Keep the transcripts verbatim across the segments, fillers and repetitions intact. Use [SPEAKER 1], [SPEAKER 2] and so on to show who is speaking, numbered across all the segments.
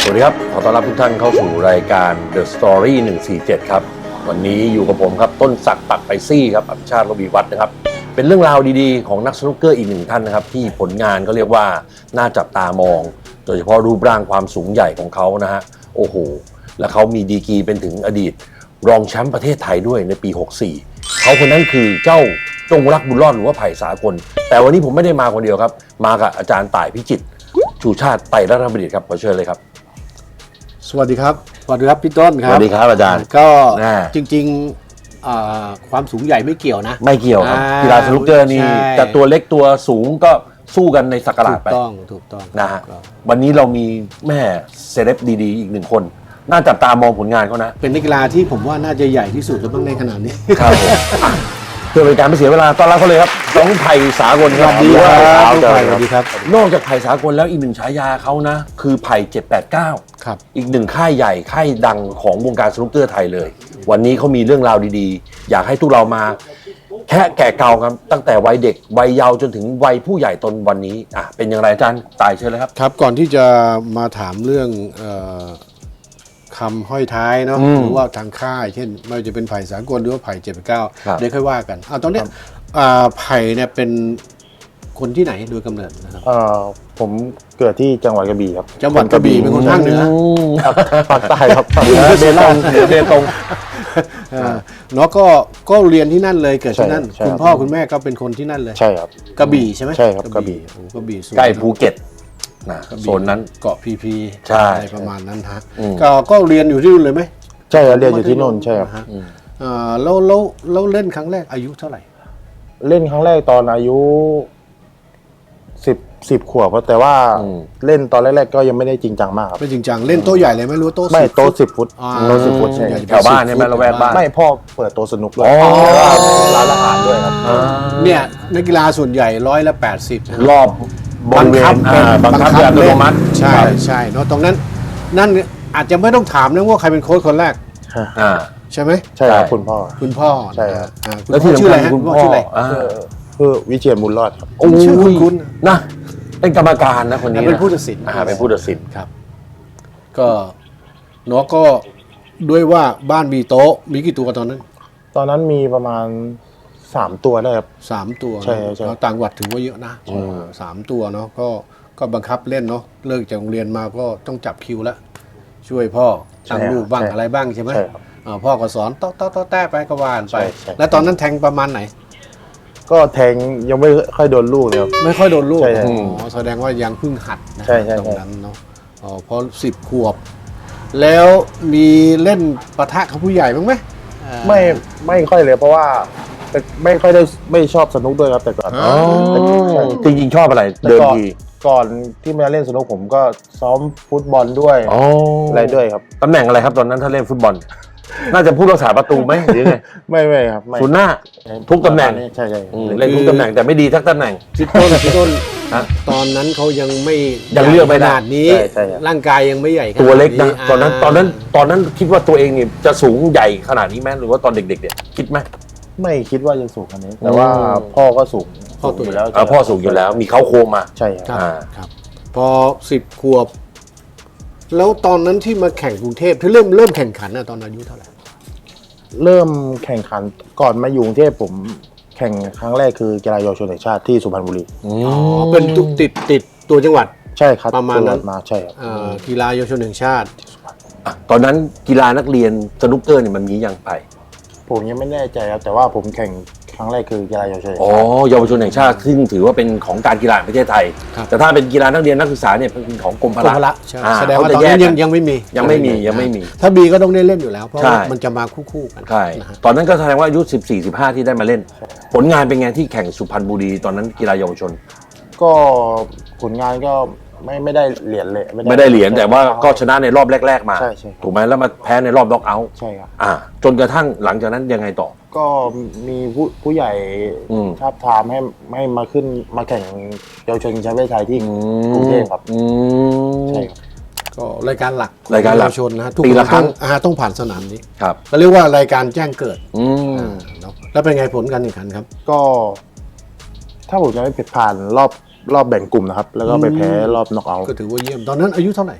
[SPEAKER 1] วัสดีครับขอต้อนรับทุกท่านเข้าสู่รายการ The Story หนึ่งสี่เจ็ดครับวันนี้อยู่กับผมครับต้นศักดิ์ปักไปซี่ครับอภิชาติระวีวัฒน์นะครับเป็นเรื่องราวดีๆของนักสนุกเกอร์อีกหนึ่งท่านนะครับที่ผลงานก็เรียกว่าน่าจับตามองโดยเฉพาะรูปร่างความสูงใหญ่ของเขานะฮะโอ้โหและเขามีดีกรีเป็นถึงอดีตรองแชมป์ประเทศไทยด้วยในปีหกสี่เขาคนนั้นคือเจ้าจงรักบุญรอดหรือว่าไผ่สากลแต่วันนี้ผมไม่ได้มาคนเดียวครับมากับอาจารย์ต่ายพิจิตรชูชาติไตรรัตนบัณฑิตครับขอเชิญเลยครับ
[SPEAKER 2] สวัสดีครับสวัสดีครับพี่ต้นครับ
[SPEAKER 1] สวัสดีครับอาจารย์
[SPEAKER 2] ก็จริงๆความสูงใหญ่ไม่เกี่ยวนะ
[SPEAKER 1] ไม่เกี่ยวครับกีฬาสนุกเกอร์นี่แต่ตัวเล็กตัวสูงก็สู้กันในสักราชไป
[SPEAKER 2] ถูกต้องถูกต้อง
[SPEAKER 1] นะฮะวันนี้เรามีแม่เซเลบดีๆอีกหนึ่งคนน่าจับตามองผลงานเขานะ
[SPEAKER 2] เป็นนักกีฬาที่ผมว่าน่าจะใหญ่ที่สุดแล้วบ้างในขนาดนี้
[SPEAKER 1] ครับเพื่อเป็นการไม่เสียเวลาต้อนรับเขาเลยครับน้องไผ่สากลครับ
[SPEAKER 2] สวัสดีครับสวัสดีครับ
[SPEAKER 1] นอกจากไผ่สากลแล้วอีกหนึ่งฉายาเขานะคือไผ่เจ็ดแปดเก้า
[SPEAKER 2] ครับ
[SPEAKER 1] อีกหนึ่งค่ายใหญ่ค่ายดังของวงการสนุกเกอร์ไทยเลยวันนี้เขามีเรื่องราวดีๆอยากให้ทุกเรามาแค่แก่เก่าครับตั้งแต่วัยเด็กวัยเยาว์จนถึงวัยผู้ใหญ่ตนวันนี้อ่ะเป็นอย่างไรอาจารย์ตายเชิญเลยครับ
[SPEAKER 2] ครับก่อนที่จะมาถามเรื่องคำห้อยท้ายเนาะหรือว่าทางค่ายเช่นไม่ว่าจะเป็นไผ่สากลหรือว่าไผ่เจ็ดแปดเก้าเดี๋ยวค่อยว่ากันอ่ะตอนนี้ไผ่เนี่ยเป็นคนที่ไหนโดยกำเนิดนะครับ
[SPEAKER 3] ผมเกิดที่จังหวัดกระบี่ครับ
[SPEAKER 2] จังหวัดกระบี่เป็นคนภาคเหนือ
[SPEAKER 3] ภาคใต้ครับ
[SPEAKER 1] เหนือเบตงเบตง
[SPEAKER 2] เนาะก็ก็เรียนที่นั่นเลยเกิดที่นั่นคุณพ่อคุณแม่ก็เป็นคนที่นั่นเลย
[SPEAKER 3] ใช่ครับ
[SPEAKER 2] กระบี่ใช่ไหม
[SPEAKER 3] ใช่ครับกระบี่
[SPEAKER 2] กระบี่
[SPEAKER 1] ใกล้ภูเก็ตนะโซนนั้น
[SPEAKER 2] เกาะพีพีอะไรประมาณนั้นฮะก็ก็เรียนอยู่ที่นู่นเลยไหม
[SPEAKER 3] ใช่ครับเรียนอยู่ที่นู่นใช่ครับ
[SPEAKER 2] แล้วแล้วแล้วเล่นครั้งแรกอายุเท่าไหร่
[SPEAKER 3] เล่นครั้งแรกตอนอายุสิบสิบขวบแต่ว่าเล่นตอนแรกๆก็ยังไม่ได้จริงจังมากครับ
[SPEAKER 2] ไม่จริงจังเล่นโต๊ะใหญ่เลยไม่รู้โต๊ะ
[SPEAKER 3] ไม่โต๊ะสิบฟุตโต๊ะสิบฟุตใช่
[SPEAKER 1] แถวบ้านเนี่ยแม่ละแวกบ้าน
[SPEAKER 3] ไม่พ่อเปิดโต๊ะสนุกด้วยร้านอาหารด้วยครับ
[SPEAKER 2] เนี่ยนักกีฬาส่วนใหญ่ร้อยละแปดสิบ
[SPEAKER 1] รอบบังคับบังคับอัตโนมัติ
[SPEAKER 2] ใช่ใช่เนาะตรงนั้นนั่นอาจจะไม่ต้องถามนะว่าใครเป็นโค้ชคนแรกใช่ไหม
[SPEAKER 3] ใช่ครับคุณพ่อ
[SPEAKER 2] คุณพ่อ
[SPEAKER 3] ใช่ครับ
[SPEAKER 1] แล้วที่ชื่ออะไร
[SPEAKER 2] คุณพ่อชื่ออะไร
[SPEAKER 3] คือวิเชียรบุญรอดครับ
[SPEAKER 2] ชื่อคุณคุณ
[SPEAKER 1] นะเป็นกรรมการนะคนนี้
[SPEAKER 2] เป็นผู้ตัดสิน
[SPEAKER 1] เป็นผู้ตัดสิน
[SPEAKER 2] ครับก็เนาะก็ด้วยว่าบ้านมีโต๊ะมีกี่ตัวตอนนั้น
[SPEAKER 3] ตอนนั้นมีประมาณสามตัวได้ครับ
[SPEAKER 2] สามตัว
[SPEAKER 3] ใช่ใช่
[SPEAKER 2] ต่างจังหวัดถือว่าเยอะนะสามตัวเนาะก็ก็บังคับเล่นเนาะเลิกจากโรงเรียนมาก็ต้องจับคิวแล้วช่วยพ่อตั้งลูกบ้างอะไรบ้างใช่ไหมพ่อก็สอนต๊อกต๊อกต๊อกแต้ไปก็ว่านไปแล้วตอนนั้นแทงประมาณไหน
[SPEAKER 3] ก็แทงยังไม่ค่อยโดนลูกเลยครับ
[SPEAKER 2] ไม่ค่อยโดนลูกอ๋อแสดงว่ายังเพิ่งหัดนะตรงนั้นเนาะอ๋อพอสิบขวบแล้วมีเล่นปะทะกับผู้ใหญ่บ้างไหม
[SPEAKER 3] ไม่ไม่ค่อยเลยเพราะว่าไม่ค่อยได้ไม่ชอบสนุกด้วยครับแต่ก่อน
[SPEAKER 1] จริงๆชอบอะไรเดิมที
[SPEAKER 3] ก่อนที่มาเล่นสนุกผมก็ซ้อมฟุตบอลด้วยอะไรด้วยครับ
[SPEAKER 1] ตำแหน่งอะไรครับตอนนั้นถ้าเล่นฟุตบอลน่าจะผู้รักษาประตูไหมหรือไง
[SPEAKER 3] ไม่ไม่ครับ
[SPEAKER 1] ศูนย์หน้าทุกตำแหน่ง
[SPEAKER 3] ใช่ใช่
[SPEAKER 1] เล่นทุกตำแหน่งแต่ไม่ดีทักตำแหน่ง
[SPEAKER 2] พี่ต้นพี่ต้นตอนนั้นเขายังไม่
[SPEAKER 1] ยังเลือกไม่
[SPEAKER 2] ได้ขนาดนี้ร่างกายยังไม่ใหญ่
[SPEAKER 1] ตัวเล็กนะตอนนั้นตอนนั้นตอนนั้นคิดว่าตัวเองเนี่ยจะสูงใหญ่ขนาดนี้ไหมหรือว่าตอนเด็กๆเนี่ยคิดไหม
[SPEAKER 3] ไม่คิดว่าจะสูงขนาดนี้แต่ว่าพ่อก็สูง
[SPEAKER 2] พ่อสูงอยู่
[SPEAKER 1] แล้วพ่อสูงอยู่แล้วมีเขาโครงมา
[SPEAKER 3] ใช่
[SPEAKER 2] ครับครับพอสิบขวบแล้วตอนนั้นที่มาแข่งกรุงเทพที่เริ่มเริ่มแข่งขันนะตอนอายุเท่าไหร่
[SPEAKER 3] เริ่มแข่งขันก่อนมาอยู่กรุงเทพผมแข่งครั้งแรกคือกีฬาเยาวชนแห่งชาติที่สุพรรณบุรี
[SPEAKER 2] อ๋อเป็นติดติดตัวจังหวัด
[SPEAKER 3] ใช่ครับ
[SPEAKER 2] ประมาณนั้น
[SPEAKER 3] มาใช่ครับ
[SPEAKER 2] กีฬาเยาวชนแห่งชาติ
[SPEAKER 1] ตอนนั้นกีฬานักเรียนสนุกเกอร์เนี่ยมันมียังไป
[SPEAKER 3] ผมยังไม่แน่ใจครับแต่ว่าผมแข่งครั้งแรกคือกีฬาเยาวชน
[SPEAKER 1] อ๋อเยาวชนแห่งชาติซึ่งถือว่าเป็นของการกีฬาประเทศไทยแต่ถ้าเป็นกีฬานักเรียนนักศึกษาเนี่ยเป็นของกรมพละ
[SPEAKER 2] แสดงว่าตอนนี้ยังยังไม่มี
[SPEAKER 1] ยังไม่มียังไม่มี
[SPEAKER 2] ถ้าบีก็ต้องได้เล่นอยู่แล้วเพราะมันจะมาคู่ๆกัน
[SPEAKER 1] ใช่ตอนนั้นก็แสดงว่าอายุสิบสี่ สิบห้าที่ได้มาเล่นผลงานเป็นไงที่แข่งสุพรรณบุรีตอนนั้นกีฬาเยาวชน
[SPEAKER 3] ก็ผลงานก็ไม่ไม่ได้เหรียญเลย
[SPEAKER 1] ไม่ได้เหรียญแต่ว่าก็ชนะในรอบแรกๆมา
[SPEAKER 3] ใช่ใช่
[SPEAKER 1] ถูกไหมแล้วมาแพ้ในรอบน็อกเอาท์
[SPEAKER 3] ใช่ครับ
[SPEAKER 1] อ่าจนกระทั่งหลังจากนั้นยังไงต่อ
[SPEAKER 3] ก็มีผู้ผู้ใหญ่ทาบทามให้ให้มาขึ้นมาแข่งเยาวชนแชมป์ประเทศไทยที่กรุงเทพครับใช่ครับ
[SPEAKER 2] ก็รายการหลัก
[SPEAKER 1] รายการหลัก
[SPEAKER 2] เยาวชนนะทุกปีละครั้งต้องผ่านสนามนี้
[SPEAKER 1] ครับ
[SPEAKER 2] ก็เรียกว่ารายการแจ้งเกิดแล้วเป็นไงผลการแข่งขันครับ
[SPEAKER 3] ก็ถ้าผมจะไม่ผิดผ่านรอบรอบแบ่งกลุ่มนะครับแล้วก็ไปแพ้รอบน็อกเอาท์
[SPEAKER 2] ก็ถือว่าเยี่ยมตอนนั้นอายุเท่าไหร่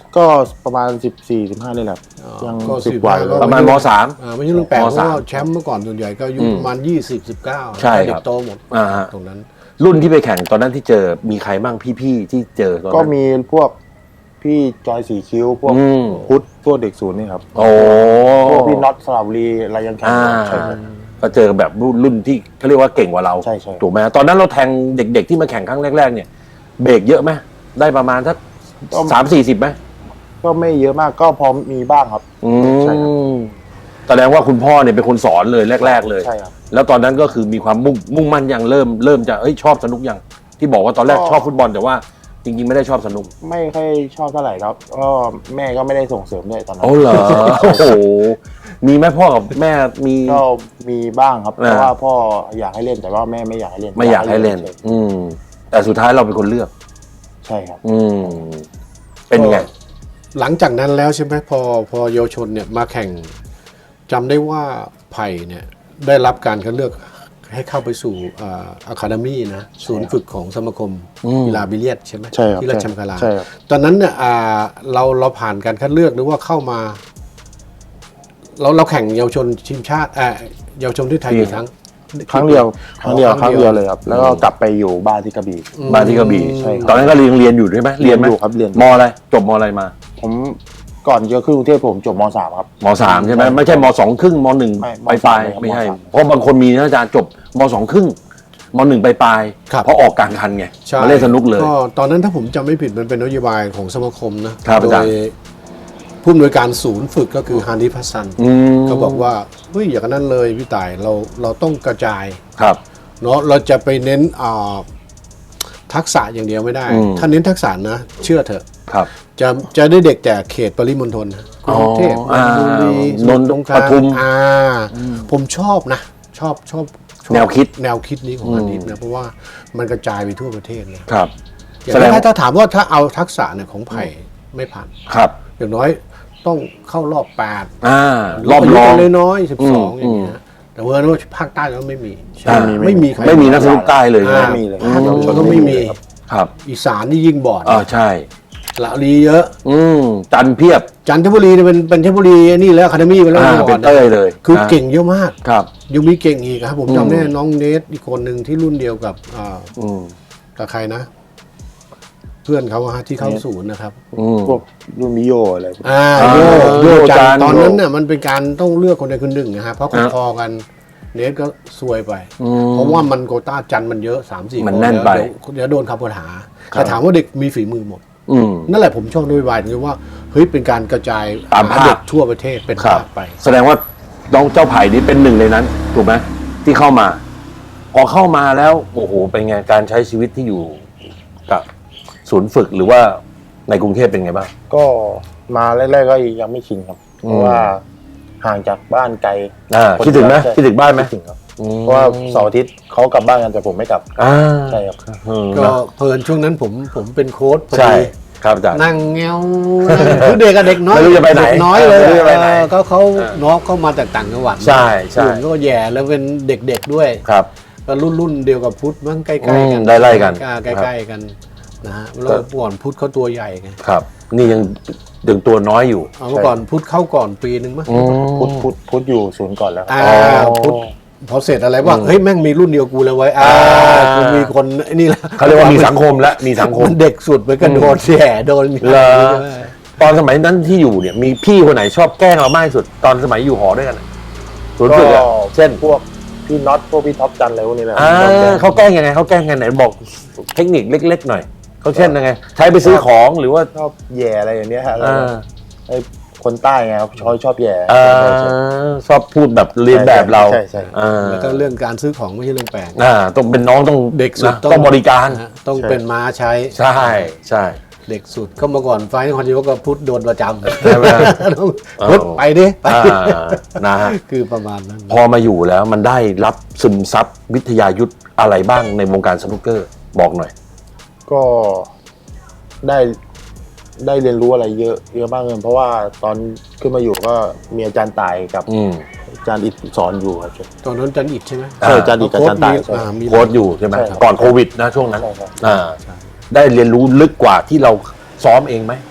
[SPEAKER 3] ก็ประมาณสิบสี่สิบห้านี่แหละยัง
[SPEAKER 2] ก็
[SPEAKER 3] สิบ
[SPEAKER 2] สิบ
[SPEAKER 3] กว่า
[SPEAKER 2] ห้า
[SPEAKER 3] เลย
[SPEAKER 1] ประมาณมสาม
[SPEAKER 2] อ่าไม่ใช่เรื่องแปลก
[SPEAKER 1] ม
[SPEAKER 2] เพราะ
[SPEAKER 1] สาม
[SPEAKER 2] ว่าแชมป์เมื่อก่อนส่วนใหญ่ก็อายุประมาณยี่สิบสิบเก้า
[SPEAKER 1] ใช่ครับ
[SPEAKER 2] เด็กโตหมด
[SPEAKER 1] อ่าฮะ
[SPEAKER 2] ตรงนั้น
[SPEAKER 1] รุ่นที่ไปแข่งตอนนั้นที่เจอมีใครบ้างพี่ๆที่เจอตอนนั้น
[SPEAKER 3] ก็มีพวกพี่จอยสีคิ้วพวก
[SPEAKER 1] อืม
[SPEAKER 3] พุทธพวกเด็กศูนย์นี่ครับ
[SPEAKER 1] โอ้
[SPEAKER 3] พวกพี่น็อตสระบุรีอะไรยังแข่ง
[SPEAKER 1] อ่า
[SPEAKER 3] ใช่ครับ
[SPEAKER 1] ก็เจอแบบรุ่นรุ่นที่เขาเรียกว่าเก่งกว่าเรา
[SPEAKER 3] ใช่ใช่
[SPEAKER 1] ถูกไหมตอนนั้นเราแทงเด็ก ๆที่มาแข่งครั้งแรกๆเนี่ยเบรกเยอะไหมได้ประมาณสักสามสี่สิบไหม
[SPEAKER 3] ก็ไม่เยอะมากก็พอมีบ้างครับ
[SPEAKER 1] อื
[SPEAKER 3] ใช่ครับ
[SPEAKER 1] มแสดงว่าคุณพ่อเนี่ยเป็นคนสอนเลยแรก ๆ เลย
[SPEAKER 3] ใช่ครับ
[SPEAKER 1] แล้วตอนนั้นก็คือมีความมุ่งมุ่งมั่นยังเริ่มเริ่มจะเอ้ยชอบสนุกยังที่บอกว่าตอนแรก
[SPEAKER 3] ก็
[SPEAKER 1] ชอบฟุตบอลแต่ว่าจริงๆไม่ได้ชอบสนุก
[SPEAKER 3] ไม่ค่อยชอบเท่าไหร่ครับก็แม่ก็ไม่ได้ส่งเสริมด้วยตอนนั้น
[SPEAKER 1] โอ้เหรอ โอ้โหมีไหมพ่อกับแม่มี
[SPEAKER 3] ก็มีบ้างครับ
[SPEAKER 1] อ่า
[SPEAKER 3] เพราะว่าพ่ออยากให้เล่นแต่ว่าแม่ไม่อยากให้เล่น
[SPEAKER 1] ไม่อยากให้เล่น อืม แต่สุดท้ายเราเป็นคนเลือก
[SPEAKER 3] ใช่ครับ
[SPEAKER 1] อืม เป็นยังไง
[SPEAKER 2] หลังจากนั้นแล้วใช่ไหมพอพอเยาวชนเนี่ยมาแข่งจำได้ว่าไผ่เนี่ยได้รับการคัดเลือกให้เข้าไปสู่อะคาเดมี่นะศูนย์ฝึกของสมาคม
[SPEAKER 1] อืม
[SPEAKER 2] กีฬาบิลเลียดใช่ไหม
[SPEAKER 3] ใช่ครับ
[SPEAKER 2] ที่ราชมังคลา
[SPEAKER 3] ใช่ครับ
[SPEAKER 2] ตอนนั้นเนี่ยอ่าเราเราผ่านการคัดเลือกหรือว่าเข้ามา เราเราแข่งเยาวชนทีมชาติเอ่อเยาวชนที่ไทยกี่ครั้ง
[SPEAKER 3] ครั้งเดียวครั้งเดียว
[SPEAKER 2] อ๋อ
[SPEAKER 3] ครั้งเดียวเลยครับ แล้วก็กลับไปอยู่บ้านที่กระบี่
[SPEAKER 1] บ้านที่กระบี่
[SPEAKER 3] ใช่ครับ
[SPEAKER 1] ตอนนั้นก็เรียนเรียนอยู่ใช่ไหมเรียนไหม
[SPEAKER 3] เรียนอยู่ครับเรียน
[SPEAKER 1] มอะไร จบมอะไรมา
[SPEAKER 3] ผมก่อนจะขึ้นกรุงเทพผมจบมสามครับ
[SPEAKER 1] มสามใช่ไหมไม่ใช่มสองครึ่งมหนึ่ง
[SPEAKER 3] ไม่
[SPEAKER 1] ปลายปลาย
[SPEAKER 3] มสาม
[SPEAKER 1] ไม่ใช่
[SPEAKER 3] มสาม
[SPEAKER 1] เพราะบางคนมีนะอาจารย์จบมสองครึ่งมหนึ่งปลายปลาย
[SPEAKER 2] ครับ
[SPEAKER 1] เพราะออกกลางคันไง
[SPEAKER 2] ใช่
[SPEAKER 1] มาเล่นสนุกเลย
[SPEAKER 2] ก็ตอนนั้นถ้าผมจำไม่ผิดมันเป็นนโยบายของสมาคมนะครับ
[SPEAKER 1] อา
[SPEAKER 2] โด
[SPEAKER 1] จารย์
[SPEAKER 2] ยผู้อำนวยการศูนย์ฝึกก็คือฮานิพัสซัน
[SPEAKER 1] อืม
[SPEAKER 2] เขาบอกว่าเฮ้ยอย่างนั้นเลยพี่ต่ายเราเราต้องกระจาย
[SPEAKER 1] ครับ
[SPEAKER 2] เนาะเราจะไปเน้นอ่าทักษะอย่างเดียวไม่ได้
[SPEAKER 1] อืม
[SPEAKER 2] ถ้าเน้นทักษะนะ เชื่อเถอะ
[SPEAKER 1] ครับ
[SPEAKER 2] จะจะได้เด็กแต่เขตปริมณฑลนะก
[SPEAKER 1] อ๋อ
[SPEAKER 2] รุงเทพ
[SPEAKER 1] อ่า
[SPEAKER 2] บุรีส
[SPEAKER 1] น
[SPEAKER 2] มุ
[SPEAKER 1] น
[SPEAKER 2] ท
[SPEAKER 1] ท์
[SPEAKER 2] รสงคราม
[SPEAKER 1] ปทุม
[SPEAKER 2] อ่าผมชอบนะ ชอบชอบชอบ
[SPEAKER 1] แนวคิด
[SPEAKER 2] แนวคิดนี้ของอันนี้นะเพราะว่ามันกระจายไปทั่วประเทศเลย
[SPEAKER 1] ครับ
[SPEAKER 2] อย่าง
[SPEAKER 1] แสดง
[SPEAKER 2] ถ้าถ้าถามว่าถ้าเอาทักษะเนี่ยของไผ่ไม่ผ่าน
[SPEAKER 1] ครับ
[SPEAKER 2] อย่างน้อยต้องเข้ารอบแปด
[SPEAKER 1] อ่ารอบรอง
[SPEAKER 2] เลยน้อยสิบสอง
[SPEAKER 1] อื
[SPEAKER 2] อ
[SPEAKER 1] ม
[SPEAKER 2] ย่างเงี้ยแต่ว่าว่าภาคใต้ก็ไม่มี
[SPEAKER 1] อ่า
[SPEAKER 2] ไม่มีใคร
[SPEAKER 1] ไม่มีนักสนุกใต้เลย
[SPEAKER 2] อ่า
[SPEAKER 1] นะ
[SPEAKER 3] ไม่มีเลย
[SPEAKER 2] ภาคเยาวชนก็ไม่มี
[SPEAKER 1] ครับ
[SPEAKER 2] อีสานนี่ยิ่งบอด
[SPEAKER 1] อ่าใช่
[SPEAKER 2] ละลีเยอะ
[SPEAKER 1] อืมจันเพียบ
[SPEAKER 2] จันทบุรีเนี่ยเป็นเป็นเทพบุรีนี่แล้วคาเดมี่ไปแล้ว
[SPEAKER 1] อ่า
[SPEAKER 2] มื่อก่
[SPEAKER 1] เป็นเต้ยเลย
[SPEAKER 2] คือ
[SPEAKER 1] นะ
[SPEAKER 2] เก่งเยอะมาก
[SPEAKER 1] ครับ
[SPEAKER 2] ยังมีเก่งอีกครับ ผม
[SPEAKER 1] อืม
[SPEAKER 2] จำได้น้องเนทอีกคนหนึ่งที่รุ่นเดียวกับอ่า
[SPEAKER 1] อืม
[SPEAKER 2] กับใครนะ เพื่อนเขาอะฮะที่เข้าศูนย์นะครับ
[SPEAKER 1] อืม
[SPEAKER 3] พวกรุ่นมิโยอะไรพวก
[SPEAKER 2] อ่า
[SPEAKER 1] อ่า
[SPEAKER 2] โย
[SPEAKER 1] โย
[SPEAKER 2] โย
[SPEAKER 1] จั
[SPEAKER 2] จั
[SPEAKER 1] น
[SPEAKER 2] นตอนนั้นเนี่ยมันเป็นการต้องเลือกคนใดคนหนึ่งนะฮะเพราะ
[SPEAKER 1] อ่า
[SPEAKER 2] พอๆกันเนทก็ซวยไป
[SPEAKER 1] อืม
[SPEAKER 2] เพราะว่ามันโควต้าจันมันเยอะสามสี่
[SPEAKER 1] มันแน่นไป
[SPEAKER 2] เดี๋ยวโดนคำปัญหาแต่ถามว่าเด็กมีฝีมือหมด
[SPEAKER 1] อืม
[SPEAKER 2] นั่นแหละผมชอบนโยบายตรงที่ว่าเฮ้ยเป็นการกระจาย
[SPEAKER 1] ตามภาค
[SPEAKER 2] เด็กทั่วประเทศเป็น
[SPEAKER 1] ครับ
[SPEAKER 2] ภาคไป
[SPEAKER 1] แสดงว่าน้องเจ้าไผ่นี่เป็นหนึ่งในนั้น ถูกไหมที่เข้ามา พอเข้ามาแล้วโอ้โหเป็นไงการใช้ชีวิตที่อยู่กับศูนย์ฝึกหรือว่าในกรุงเทพเป็นไงบ้าง
[SPEAKER 3] ก็มาแรกๆก็ยังไม่ชินครับ
[SPEAKER 1] อืม
[SPEAKER 3] เพราะว่าห่างจากบ้านไกล
[SPEAKER 1] อ่า
[SPEAKER 3] คน
[SPEAKER 1] คิดถึงไหม
[SPEAKER 3] ใช่
[SPEAKER 1] คิดถึงบ้านไหม
[SPEAKER 3] คิดถึงครับเพราะว่าเสาร์อาทิตย์เขากลับบ้านกันแต่ผมไม่กลับ
[SPEAKER 1] อ่า
[SPEAKER 3] ใช่ครับ
[SPEAKER 1] อืม
[SPEAKER 2] ก็เพลินช่วงนั้นผมผมเป็นโค้ชพอ
[SPEAKER 1] ใช่
[SPEAKER 2] ดี
[SPEAKER 1] ครับอาจารย์
[SPEAKER 2] นั่งเงาคือเด็กกับเด็กน้อย
[SPEAKER 1] ไม่รู้จะไปไหน
[SPEAKER 2] เด็กน้อยเลย
[SPEAKER 1] ไม่รู้จะไปไหน
[SPEAKER 2] เออก็เขา
[SPEAKER 1] เออ
[SPEAKER 2] น้องเข้ามาจากต่างจังหวัด
[SPEAKER 1] ใช่ใช่
[SPEAKER 2] กลุ่มก็แย่แล้วเป็นเด็กๆด้วย
[SPEAKER 1] ครับ
[SPEAKER 2] ก็รุ่นรุ่นเดียวกับพุทธมั้งใกล้
[SPEAKER 1] อื
[SPEAKER 2] ๆ
[SPEAKER 1] ม
[SPEAKER 2] กัน
[SPEAKER 1] ไล่ๆกัน
[SPEAKER 2] ใกล้ๆกันนะฮะแล้วก่อนพุทธเขาตัวใหญ่ไง
[SPEAKER 1] ครับ นี่ยังยังตัวน้อยอยู่
[SPEAKER 2] เอาเมื่อก่อนพุทธเข้าก่อนปีนึงมั้ง
[SPEAKER 1] อืม
[SPEAKER 3] พุทธพุทธพุทธอยู่ศูนย์ก่อนแล้วครับ
[SPEAKER 2] อ่า
[SPEAKER 1] อ๋อ
[SPEAKER 2] พุทธพอเสร็จอะไรว่าเฮ้ยแม่งมีรุ่นเดียวกูเลยไว้ยอ่า
[SPEAKER 1] อ่า
[SPEAKER 2] กูมีคนไอ้นี่ละ
[SPEAKER 1] เขาเรียกว่ามีสังคมและมีสังคม
[SPEAKER 2] มันเด็กสุดไปกระโดดแย่โดน
[SPEAKER 1] เหรอ ตอนสมัยนั้นที่อยู่เนี่ยมีพี่คนไหนชอบแกล้งเรามากที่สุด ตอนสมัยอยู่หอด้วยกันอะศูนย์ฝึกอะเช่น
[SPEAKER 3] พวกพี่น็อตพวกพี่ท็อปจันอะไรพวกนี้แหละ
[SPEAKER 1] อ่าเขาแกล้งยังไงเขาแกล้งยังไงไหนบอกเทคนิคเล็ก ๆ หน่อยเขาเช่นยังไง ใช้ไปซื้อของหรือว่า
[SPEAKER 3] ชอบแย่อะไรอย่างเนี้ยฮะ
[SPEAKER 1] อ่า
[SPEAKER 3] ไอ้คนใต้ไงครับชอบชอบแย่
[SPEAKER 1] อ่า
[SPEAKER 3] ใช่ใช่
[SPEAKER 1] ชอบพูดแบบเรียนแบบเรา
[SPEAKER 3] ใช่ใช่
[SPEAKER 1] อ่า
[SPEAKER 2] แล้วก็เรื่องการซื้อของไม่ใช่เรื่องแปลก
[SPEAKER 1] อ่าต้องเป็นน้องต้อง
[SPEAKER 2] เด็กสุด
[SPEAKER 1] นะต้องบริการ
[SPEAKER 2] นะฮะต้องเป็นม้าใช้
[SPEAKER 1] ใช่ใช่
[SPEAKER 2] เด็กสุดก็เมื่อก่อนไฟนครนายกก็พุทธโดนประจำ
[SPEAKER 1] ใช่ไหม
[SPEAKER 2] ต้อง
[SPEAKER 1] เออ
[SPEAKER 2] พุทธไปดิไป
[SPEAKER 1] อ่านะฮะ
[SPEAKER 2] คือประมาณนั้น
[SPEAKER 1] พอมาอยู่แล้วมันได้รับซึมซับวิทยายุทธอะไรบ้างในวงการสนุกเกอร์บอกหน่อย
[SPEAKER 3] ก็ได้ได้เรียนรู้อะไรเยอะเยอะมากเลยเพราะว่าตอนขึ้นมาอยู่ก็มีอาจารย์ตายกับ
[SPEAKER 1] อืม
[SPEAKER 3] อาจารย์อิดสอนอยู่ครับ
[SPEAKER 2] ตอนนั้นจันอิดใช่ไหม
[SPEAKER 3] ใช่อาจารย์อิดกับอาจารย์ตาย
[SPEAKER 2] โค้ชมี
[SPEAKER 3] ใช่
[SPEAKER 2] อ่ามี
[SPEAKER 1] โค้ชอยู่ใช่ไหม
[SPEAKER 3] ใช่ครับ
[SPEAKER 1] ก่อนโควิดนะช่วงนั้น
[SPEAKER 3] ใช่ครับ
[SPEAKER 1] อ่าได้เรียนรู้ลึกกว่าที่เราซ้อมเองไหม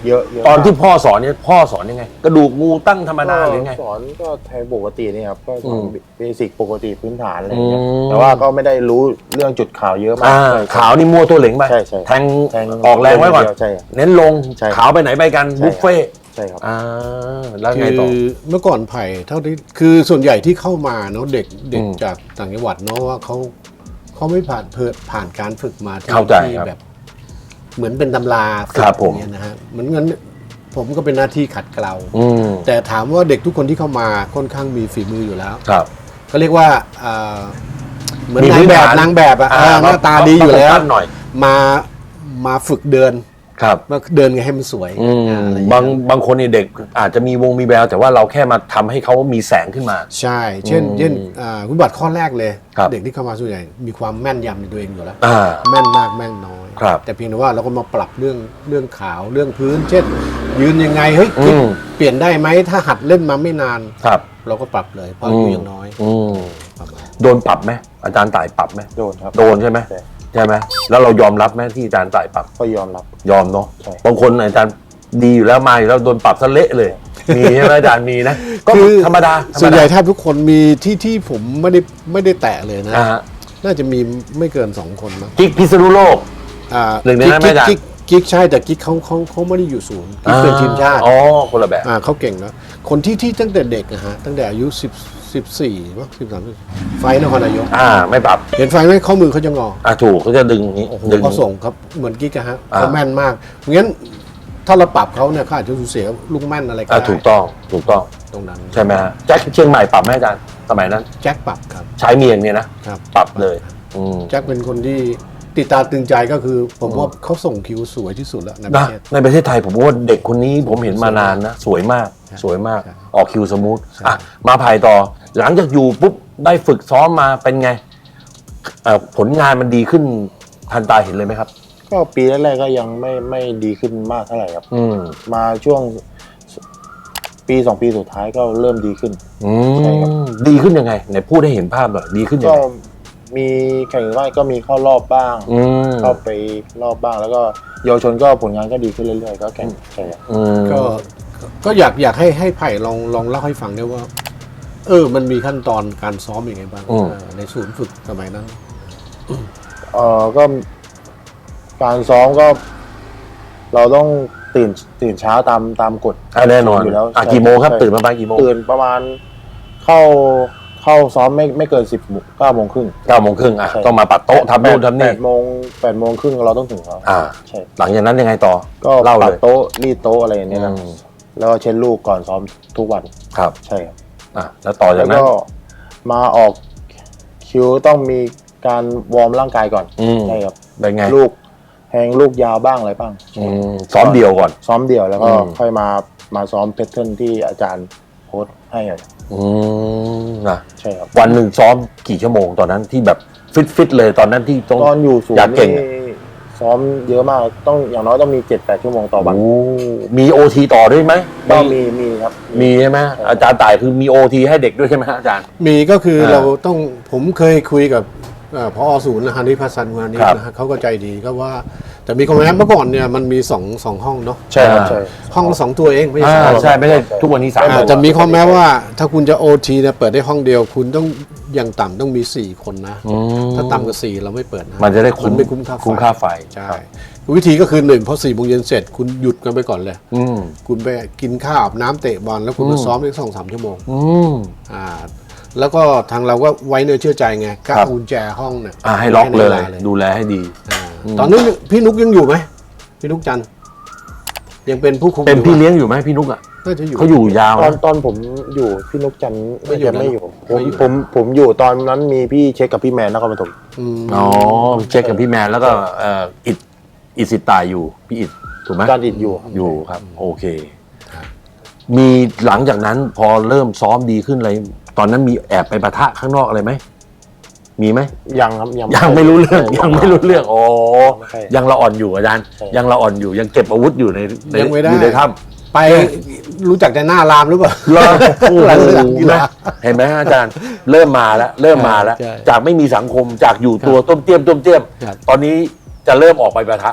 [SPEAKER 3] เยอะเยอะ
[SPEAKER 1] ตอนที่
[SPEAKER 3] มาก
[SPEAKER 1] พ่อสอนเนี่ยพ่อสอนยังไง กระดูกงูตั้งธรรมดาหรือไง
[SPEAKER 3] สอนก็แทงปกตินี่ครับก็สอน
[SPEAKER 1] อืม
[SPEAKER 3] เบสิกปกติพื้นฐานอะไรอย่างเงี้ย
[SPEAKER 1] อืม
[SPEAKER 3] แต่ว่าก็ไม่ได้รู้เรื่องจุดขาวเยอะมาก
[SPEAKER 1] อ่า
[SPEAKER 3] ใช่
[SPEAKER 1] ขาวนี่มั่วตัวเหลงไป
[SPEAKER 3] ใช่ใช่
[SPEAKER 1] แทง
[SPEAKER 3] แทง
[SPEAKER 1] ออกแรงไว้ก่อน
[SPEAKER 3] เดียวใช่ครับ
[SPEAKER 1] เน้นลง
[SPEAKER 3] ใช่
[SPEAKER 1] ขาวไปไหนไปกัน
[SPEAKER 3] ใช่
[SPEAKER 1] บุฟเฟ่ต์
[SPEAKER 3] ใช่ครับ
[SPEAKER 1] อ่าแล้ว
[SPEAKER 2] คื
[SPEAKER 1] ไงต่อ
[SPEAKER 2] อเมื่อก่อนไผ่เท่าที่คือส่วนใหญ่ที่เข้ามาเนาะเด็กเด็ก
[SPEAKER 1] อืม
[SPEAKER 2] จากต่างจังหวัดเนาะว่าเขาเขาไม่ผ่านเพื่อผ่านการฝึกมาที่
[SPEAKER 1] เข้าใจ
[SPEAKER 2] ที่
[SPEAKER 1] ครับ
[SPEAKER 2] แบบ เหมือนเป็นตำราฝึก
[SPEAKER 1] ครับผม
[SPEAKER 2] อย่างเงี้ยนะฮะเหมือนงั้นผมก็เป็นหน้าที่ขัดเกลา
[SPEAKER 1] อืม
[SPEAKER 2] แต่ถามว่าเด็กทุกคนที่เข้ามาค่อนข้างมีฝีมืออยู่แล้ว
[SPEAKER 1] ครับ
[SPEAKER 2] ก็เรียกว่าอ่าเหมือน
[SPEAKER 1] มี
[SPEAKER 2] นาง
[SPEAKER 1] พื้น
[SPEAKER 2] แบบ
[SPEAKER 1] ฐาน
[SPEAKER 2] นางแบบอะ
[SPEAKER 1] อ่า
[SPEAKER 2] อ่าหน้าตาดีอยู่แล้ว
[SPEAKER 1] ต้องตั้งหน่อย
[SPEAKER 2] มามาฝึกเดิน
[SPEAKER 1] ครับ
[SPEAKER 2] มาเดินไงให้มันสวย
[SPEAKER 1] อืม
[SPEAKER 2] อ่อะไรอย่
[SPEAKER 1] บาง
[SPEAKER 2] เงี้ย
[SPEAKER 1] บางคนเนี่ยเด็กอาจจะมีวงมีแววแต่ว่าเราแค่มาทำให้เขามีแสงขึ้นมา
[SPEAKER 2] ใช่ เช่น
[SPEAKER 1] อืม
[SPEAKER 2] เช่นอ่าคุณบัตรข้อแรกเลย
[SPEAKER 1] ครับ
[SPEAKER 2] เด็กที่เข้ามาส่วนใหญ่มีความแม่นยำในตัวเองอยู่แล้ว
[SPEAKER 1] อ่า
[SPEAKER 2] แม่นมากแม่นน้อย
[SPEAKER 1] ครับ
[SPEAKER 2] แต่เพียงแต่ว่าเราก็มาปรับเรื่องเรื่องขาวเรื่องพื้น เช่น ยืนยังไงเฮ้ยคิด
[SPEAKER 1] อืม
[SPEAKER 2] เปลี่ยนได้ไหมถ้าหัดเล่นมาไม่นาน
[SPEAKER 1] ครับ
[SPEAKER 2] เราก็ปรับเลยเพราะอายุยังน้อย
[SPEAKER 1] อืม
[SPEAKER 2] ประมาณ
[SPEAKER 1] โดนปรับไหมอาจารย์ต่ายปรับไหม
[SPEAKER 3] โดนครับ
[SPEAKER 1] โดนใช่ไหม
[SPEAKER 3] ใช่
[SPEAKER 1] ใช่ไหมแล้วเรายอมรับไหมที่อาจารย์ต่ายปรับ
[SPEAKER 3] ก็ยอมรับ
[SPEAKER 1] ยอมเนาะ
[SPEAKER 3] ใช่
[SPEAKER 1] บางคนอาจารย์ดีอยู่แล้วมาอยู่แล้วโดนปรับซะเละเลย มีใช่ไหมอาจารย์มีนะก็
[SPEAKER 2] คือ
[SPEAKER 1] ธรรมดาธรรมดา
[SPEAKER 2] ส่วนใหญ่แทบทุกคนมีที่ที่ผมไม่ได้ไม่ได้แตะเลยนะ
[SPEAKER 1] อ่าฮะ
[SPEAKER 2] น่าจะมีไม่เกินสองคนมั้ง
[SPEAKER 1] กิ๊กพิษณุโลก
[SPEAKER 2] อ่า
[SPEAKER 1] หนึ่งในนั้นไหม
[SPEAKER 2] กิ๊ก
[SPEAKER 1] อาจารย์
[SPEAKER 2] กิ๊กกิ๊กใช่แต่กิ๊กเขาเขาเขาไม่ได้อยู่ศูนย์กิ๊กเป็นทีมชาติ
[SPEAKER 1] อ๋อคนละแบบ
[SPEAKER 2] อ่าเขาเก่งแล้วคนที่ที่ตั้งแต่เด็กอะฮะตั้งแต่อายุสิบสิบสี่มั้งสิบสามไฟนครนายก
[SPEAKER 1] อ่าไม่ปรับ
[SPEAKER 2] เห็นไฟไหมข้อมือเขาจะงอ
[SPEAKER 1] อ่าถูกเขาจะดึงอย่างนี้
[SPEAKER 2] โอ้โห
[SPEAKER 1] ดึง
[SPEAKER 2] เขาส่งครับเหมือนกิ๊กอะฮะ
[SPEAKER 1] อ่า
[SPEAKER 2] เขาแม่นมากงั้นถ้าเราปรับเขาเนี่ยเขาอาจจะสูญเสียลูกแม่นอะไรก็
[SPEAKER 1] อ่า
[SPEAKER 2] ได้
[SPEAKER 1] ถูกต้องถูกต้อง
[SPEAKER 2] ตรงนั้น
[SPEAKER 1] ใช่ไหมฮะแจ็คเชียงใหม่ปรับไหมอาจารย์สมัยนั้น
[SPEAKER 2] แจ็คปรับครับ
[SPEAKER 1] ใช้เมียงเนี่ยนะครับ ปรับเลยอืม
[SPEAKER 2] แจ็คเป็นคนที่ติดตาตึงใจก็คือ ผมว่าเขาส่งคิวสวยที่สุดแล้วในป
[SPEAKER 1] นะ
[SPEAKER 2] ระเทศ
[SPEAKER 1] ในประเทศไทยผมว่าเด็กคนนี้ผมเห็นมานานนะ สวยมาก
[SPEAKER 2] ใช่
[SPEAKER 1] สวยมาก
[SPEAKER 2] ใช่
[SPEAKER 1] ออกคิวสมูท
[SPEAKER 2] ใช่
[SPEAKER 1] อ่ะมาภายต่อ หลังจากอยู่ปุ๊บได้ฝึกซ้อมมาเป็นไงเอ่อผลงานมันดีขึ้นทันตาเห็นเลยไหมครับ
[SPEAKER 3] ก็ปีแรกๆก็ยังไม่ไม่ดีขึ้นมากเท่าไหร่ครับ
[SPEAKER 1] อืม
[SPEAKER 3] มาช่วงปีสองปีสุดท้ายก็เริ่มดีขึ้น
[SPEAKER 1] อื
[SPEAKER 3] ใช่ครับ
[SPEAKER 1] มดีขึ้นยังไงไหนพูดให้เห็นภาพหน่อยดีขึ้นยัง
[SPEAKER 3] ก็
[SPEAKER 1] ไง
[SPEAKER 3] มีแข่งว่ายก็มีเข้ารอบบ้าง
[SPEAKER 1] อืม
[SPEAKER 3] เข้าไปรอบบ้าง แล้วก็เยาวชนก็ผลงานก็ดีขึ้นเรื่อยๆก็แข่งใช่ครับ
[SPEAKER 1] อืม
[SPEAKER 2] ก็ก็อยากอยากให้ให้ไผ่ลองลองเล่าให้ฟังด้วยว่า เออ มันมีขั้นตอนการซ้อมยังไงบ้างเออในศูนย์ฝึกสมัยนั้น
[SPEAKER 3] เออก็การซ้อมก็ เราต้องตื่นตื่นเช้าตามตามกฎ
[SPEAKER 1] อ่ะแน่นอน
[SPEAKER 3] อยู่แล้ว
[SPEAKER 1] อ่ะ
[SPEAKER 3] ใช่
[SPEAKER 1] กี่โมงครับ
[SPEAKER 3] ใช่
[SPEAKER 1] ตื่นประมาณกี่โมง
[SPEAKER 3] ตื่นประมาณเข้าเข้าซ้อมไม่ไม่เกินสิบเก้าโมงครึ่ง
[SPEAKER 1] เก้าโมงครึ่งอ่ะ
[SPEAKER 3] ใช่
[SPEAKER 1] ต้องมาปัดโต๊ะทำนู่นทำ
[SPEAKER 3] แป
[SPEAKER 1] นี่
[SPEAKER 3] ดโมงแปดโมงครึ่งเราต้องถึงแล้ว
[SPEAKER 1] อ่า
[SPEAKER 3] ใช่
[SPEAKER 1] หลังจากนั้นยังไงต่อ
[SPEAKER 3] ก็
[SPEAKER 1] เล่า
[SPEAKER 3] ปั
[SPEAKER 1] เล
[SPEAKER 3] ด
[SPEAKER 1] ย
[SPEAKER 3] โต๊ะรีดโต๊ะอะไรอย่างเงี้ยครับ
[SPEAKER 1] อืม
[SPEAKER 3] แล้วก็เช็ดลูกก่อนซ้อมทุกวัน
[SPEAKER 1] ครับ
[SPEAKER 3] ใช่ครับ
[SPEAKER 1] อ่ะแล้วต่อจา
[SPEAKER 3] แล้
[SPEAKER 1] ก
[SPEAKER 3] ว
[SPEAKER 1] นั้น
[SPEAKER 3] ก็มาออกคิวต้องมีการวอร์มร่างกายก่อน
[SPEAKER 1] อืม
[SPEAKER 3] ใช่ครับ
[SPEAKER 1] เป็นไง
[SPEAKER 3] ลูกแทงลูกยาวบ้างอะไรบ้าง
[SPEAKER 1] อืมซ้อมเดียวก่อน
[SPEAKER 3] ซ้อมเดี่ยวแล้วก็
[SPEAKER 1] อืม
[SPEAKER 3] ค่อยมามาซ้อมเพทเทิร์นที่อาจารย์โค้ชให้อะ
[SPEAKER 1] อืมนะ
[SPEAKER 3] ใช่ครับ
[SPEAKER 1] วันหนึ่งซ้อมกี่ชั่วโมงตอนนั้นที่แบบฟิตฟิตๆเลยตอนนั้นที่ต้อง
[SPEAKER 3] ตอนอยู่ศูน
[SPEAKER 1] อยาก
[SPEAKER 3] ย์
[SPEAKER 1] เก่ง
[SPEAKER 3] นี่ซ้อมเยอะมากต้องอย่างน้อยต้องมีเจ็ดแปดชั่วโมงต่อวัน
[SPEAKER 1] โอ้มีโอทีต่อด้วยไหม
[SPEAKER 3] ก็มีมีครับ
[SPEAKER 1] มีใช่ไหมอาจารย์ต่ายคือมีโอทีให้เด็กด้วยใช่ไหมฮะอาจารย์
[SPEAKER 2] มีก็คือ
[SPEAKER 1] อ่า
[SPEAKER 2] เราต้องผมเคยคุยกับเอ่อพอศูนย์นะฮะนิพัฒน์วานิช
[SPEAKER 1] ครับ
[SPEAKER 2] นะฮะเขาก็ใจดีก็ว่า แต่มีคอมเมนต์เมื่อก่อนเนี่ยมันมีสองสองห้องเนาะ
[SPEAKER 3] ใช่ครับใช่
[SPEAKER 2] ห้องละสองตัวเองไม่
[SPEAKER 1] อ่า
[SPEAKER 2] ใช่
[SPEAKER 1] ใช่ไม่ใช่ทุกวันนี้สาม
[SPEAKER 2] อ่าจะมีข้อแม้ว่าถ้าคุณจะโอทีเนี่ยเปิดได้ห้องเดียว คุณต้องอย่างต่ำต้องมีสี่คนนะ
[SPEAKER 1] อืม
[SPEAKER 2] ถ้าต่ำกว่าสี่เราไม่เปิดนะ
[SPEAKER 1] มันจะได้คุ้ม
[SPEAKER 2] นไม่คุ้มค่าไฟ
[SPEAKER 1] คุ้มค่าไฟ
[SPEAKER 2] ใช่วิธีก็คือหนึ่งพอสี่โมงเย็นเสร็จ คุณหยุดกันไปก่อนเลย
[SPEAKER 1] อืม
[SPEAKER 2] คุณไปกินข้าวอาบน้ำเตะบอลแล้วคุณมาซ้อมได้สองสามชั่วโมง
[SPEAKER 1] อืม
[SPEAKER 2] อ่าแล้วก็ทางเราก็ไว้เนื้อเชื่อใจไงก็
[SPEAKER 1] ครับ
[SPEAKER 2] เอากุญแจห้องเนี่ย
[SPEAKER 1] อ่าให้ล็อกเลย
[SPEAKER 2] ในวา
[SPEAKER 1] ดูแลให้ดี
[SPEAKER 2] อ่าตอนนี้พี่นุกยังอยู่ไหมพี่นุกจันทร์ยังเป็นผู้คุม
[SPEAKER 1] เป็นพี่
[SPEAKER 2] อยู่
[SPEAKER 1] เลี้ยงอยู่ไหมพี่นุกอ่ะ
[SPEAKER 2] น่าจะอยู่
[SPEAKER 1] เขาอยู่ยาว
[SPEAKER 3] ตอน
[SPEAKER 1] นะ
[SPEAKER 3] ตอนผมอยู่พี่นกจันทร์
[SPEAKER 2] ไม่อยู่
[SPEAKER 3] จะไม่อยู่
[SPEAKER 2] นะ
[SPEAKER 3] ผม
[SPEAKER 2] ไม่อยู่
[SPEAKER 3] ผมผมอยู่ตอนนั้นมีพี่เช็คกับพี่แมนนครปฐม
[SPEAKER 2] อืม
[SPEAKER 1] อ๋อเช็คกับพี่แมนแล้วก็เอ่ออิดอิดสิตายอยู่พี่อิดถูกไหม
[SPEAKER 3] การอิดอยู่
[SPEAKER 1] อยู่ครับ โอเค มีหลังจากนั้นพอเริ่มซ้อมดีขึ้นอะไรตอนนั้นมีแอบไปปะทะข้างนอกอะไรไหมมีไหม
[SPEAKER 3] ยังครับยัง
[SPEAKER 1] ยังไม่รู้เรื่องยังไม่รู้เรื่องโอ้
[SPEAKER 3] ไม่ใช่
[SPEAKER 1] ยังละอ่อนอยู่อาจารย์
[SPEAKER 3] ใช่
[SPEAKER 1] ยังละอ่อนอยู่ยังเก็บอาวุธอยู่ในใน
[SPEAKER 2] ยังไม่ได้
[SPEAKER 1] อยู่ในถ้
[SPEAKER 2] ไปรู้จักแต่หน้ารามหรือเปล่า
[SPEAKER 1] ำแล้วโอ้โห
[SPEAKER 2] หลังหลังกีฬา
[SPEAKER 1] เห็นไหมอาจารย์ เริ่มมาแล้วเริ่มมาแล้ว
[SPEAKER 2] ใช่
[SPEAKER 1] จากไม่มีสังคมจากอยู่ตัวต้มเตี้ยมต้มเตี้ยม
[SPEAKER 2] ครับ
[SPEAKER 1] ตอนนี้จะเริ่มออกไปปะทะแล้ว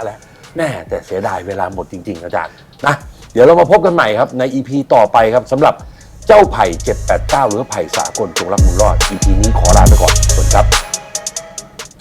[SPEAKER 1] แน่แต่เสียดายเวลาหมดจริงๆอาจารย์นะเดี๋ยวเรามาพบกันใหม่ครับใน อี พี ต่อไปครับสำหรับเจ้าไผ่เจ็ดแปดเก้าหรือไผ่สากลจงรักมุงรอด อี พี นี้ขอลาไปก่อนสวัสดีครับ